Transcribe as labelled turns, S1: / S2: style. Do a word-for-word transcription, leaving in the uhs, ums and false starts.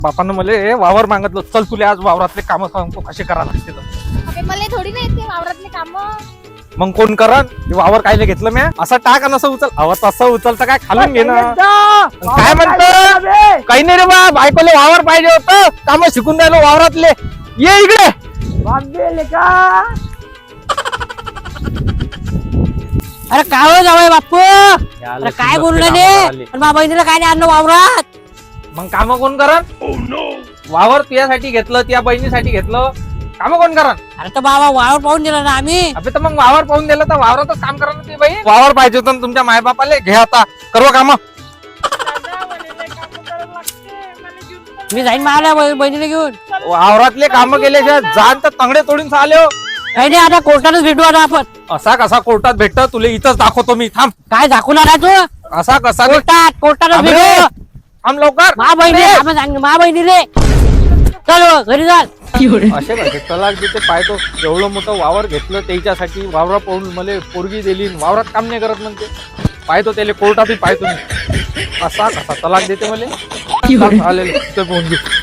S1: बापानं मला वावर मागितलं, चल तुला आज वावरातले काम सांगतो कसे करा लागते तर.
S2: अबे मला थोडी नाही येते वावरातले काम.
S1: मग कोण करन ते वावर कायले घेतलं म्या? असं टाक आणि असं उचल. अव तसं उचलतं काय खालून घे ना. काय म्हणतो? काही नाही रे बा, बायकोले वावर पाहिजे होतं, काम शिकून राहिलो वावरातले. ये इकडे.
S3: अरे काय हो जावय बापू, अरे काय बोलू राहिले? आणि माझ्या बहिणीला काय नाही आणलं वावरात?
S1: मग काम कोण करन? वावर तुझ्यासाठी घेतलं, त्या बहिणीसाठी घेतलं, काम कोण करन?
S3: अरे तर बाबा वावर पाहून दिला ना आम्ही.
S1: अबे तर मग वावर पाहून दिलं तर वावरातच काम करा ना ती बाई. वावर पाहिजे होतं ना तुमच्या मायबापाले, घे आता करव काम.
S3: मी जाईन मला बहिणीला घेऊन.
S1: वावरातले काम केले जाण तर तंगडे तोडून आले हो.
S3: काही नाही, आता कोर्टातच भेटू आता आपण.
S1: असा कसा कोर्टात भेटत? तुला इथंच दाखवतो मी, थांब.
S3: काय दाखवणार आहे तू?
S1: असा कसा भेट-
S3: कोर्टात कोर्टातच
S1: अबे,
S3: भेटू.
S1: थांब लवकर.
S3: मा बहिणी आपण सांग मा बहिणीले चलो घरी चाल.
S1: असे कसे तलाक देते पाहतो. एवढं मोठं वावर घेतलं त्याच्यासाठी, वावरा पाहून मला पोरगी दिली, वावरात काम नाही करत म्हणते. पाहतो त्याला कोर्टातही पाहतो मी. असा कसा तलाक देते मला. आलेले ते पोरगी.